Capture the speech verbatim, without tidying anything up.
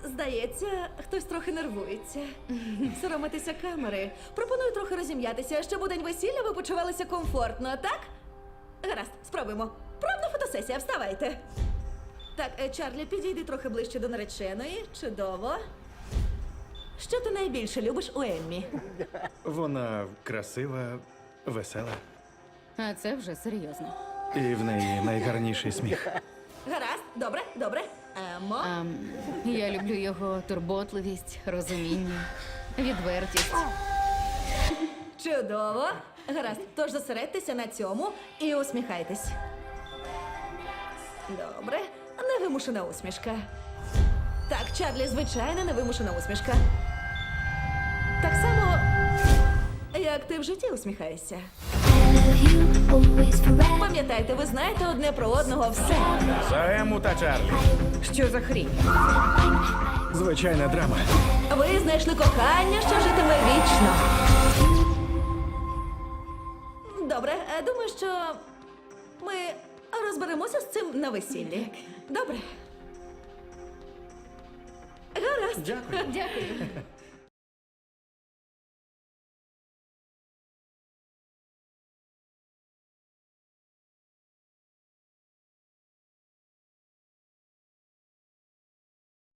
Здається, хтось трохи нервується. Соромитися камери. Пропоную трохи розім'ятися, щоб у день весілля ви почувалися комфортно, так? Гаразд, спробуємо. Правда фотосесія, вставайте. Так, е, Чарлі, підійди трохи ближче до нареченої. Чудово. Що ти найбільше любиш у Еммі? Вона красива, весела. А це вже серйозно. І в неї найгарніший сміх. Гаразд, добре, добре. Емо. А, я люблю його турботливість, розуміння, відвертість. Чудово. Гаразд, тож зосередьтеся на цьому і усміхайтесь. Добре. Невимушена усмішка. Так, Чарлі, звичайна невимушена усмішка. Так само, як ти в житті усміхаєшся. Пам'ятайте, ви знаєте одне про одного все. За Ему та Чарлі. Що за хрінь? Звичайна драма. Ви знайшли кохання, що житиме вічно. Добре, е, думаю, що ми розберемося з цим на весіллі. Добре. Гаразд. Дякую. Дякую.